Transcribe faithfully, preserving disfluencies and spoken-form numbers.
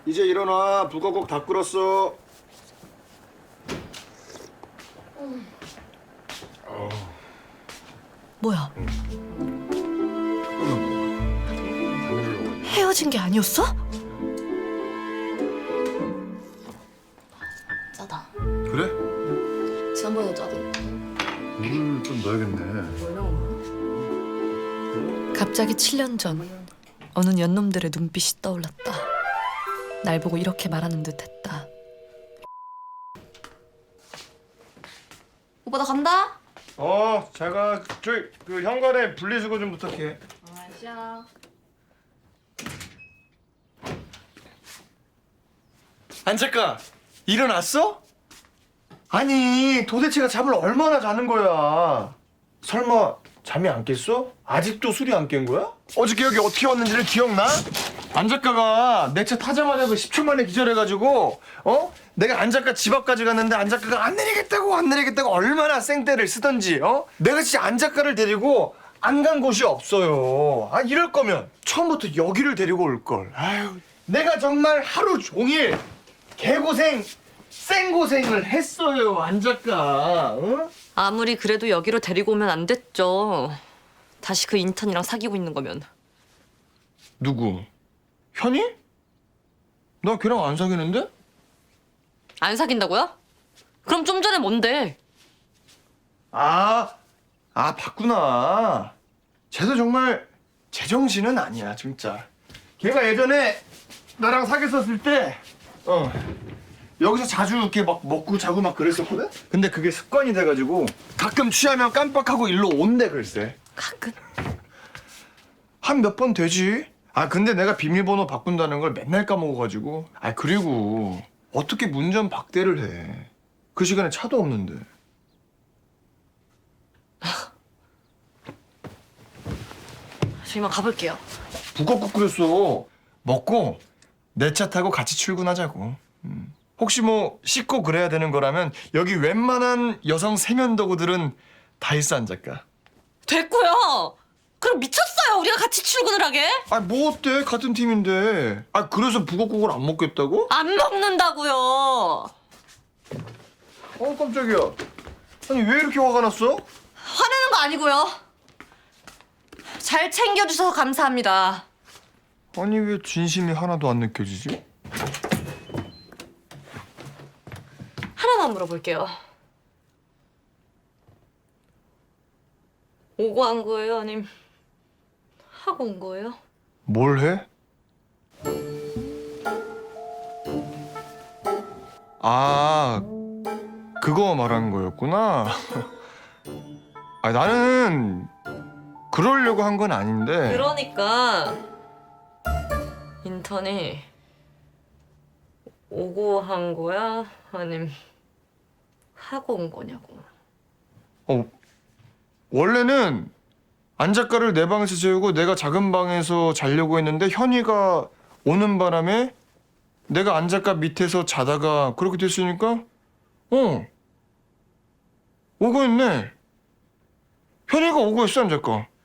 이제 일어나. 북어국 다 끓었어. 뭐야? 헤어진 게 아니었어? 짜다. 그래? 지난번에도 짜던데. 물 좀 넣어야겠네. 갑자기 칠 년 전 어느 연놈들의 눈빛이 떠올랐다. 날 보고 이렇게 말하는 듯했다. 오빠 나 간다. 어, 제가 저기 그 현관에 분리수거 좀 부탁해. 아시아. 안 작가, 일어났어? 아니, 도대체가 잠을 얼마나 자는 거야? 설마 잠이 안 깼어? 아직도 술이 안 깬 거야? 어저께 여기 어떻게 왔는지를 기억나? 안 작가가 내 차 타자마자 그 십 초 만에 기절해가지고 어? 내가 안 작가 집 앞까지 갔는데 안 작가가 안 내리겠다고 안 내리겠다고 얼마나 생떼를 쓰던지 어? 내가 진짜 안 작가를 데리고 안 간 곳이 없어요. 아 이럴 거면 처음부터 여기를 데리고 올 걸. 아유, 내가 정말 하루 종일 개고생 생고생을 했어요, 안 작가. 어? 아무리 그래도 여기로 데리고 오면 안 됐죠. 다시 그 인턴이랑 사귀고 있는 거면. 누구? 현이? 나 걔랑 안 사귀는데? 안 사귄다고요? 그럼 좀 전에 뭔데? 아, 아 봤구나. 쟤도 정말 제정신은 아니야, 진짜. 걔가 예전에 나랑 사귀었을 때, 어, 여기서 자주 이렇게 막 먹고 자고 막 그랬었거든? 근데 그게 습관이 돼가지고 가끔 취하면 깜빡하고 일로 온대, 글쎄. 가끔? 한 몇 번 되지. 아, 근데 내가 비밀번호 바꾼다는 걸 맨날 까먹어가지고. 아, 그리고 어떻게 문전 박대를 해. 그 시간에 차도 없는데. 저 이만 가볼게요. 북엇국 끓였어. 먹고 내 차 타고 같이 출근하자고. 음. 혹시 뭐 씻고 그래야 되는 거라면 여기 웬만한 여성 세면도구들은 다 있어, 안 작가. 됐고요. 그럼 미쳤어요. 우리가 같이 출근을 하게? 아, 뭐 어때? 같은 팀인데. 아, 그래서 북엇국을 안 먹겠다고? 안 먹는다고요. 어, 깜짝이야. 아니, 왜 이렇게 화가 났어? 화내는 거 아니고요. 잘 챙겨주셔서 감사합니다. 아니, 왜 진심이 하나도 안 느껴지지? 하나만 물어볼게요. 오고 한 거예요? 아님 하고 온 거예요? 뭘 해? 아, 그거 말하는 거였구나. 아, 나는 그러려고 한 건 아닌데. 그러니까 인턴이 오고 한 거야? 아님 하고 온 거냐고. 어, 원래는 안 작가를 내 방에서 재우고 내가 작은 방에서 자려고 했는데 현이가 오는 바람에 내가 안 작가 밑에서 자다가 그렇게 됐으니까 어 오고 있네. 현이가 오고 있어, 안 작가.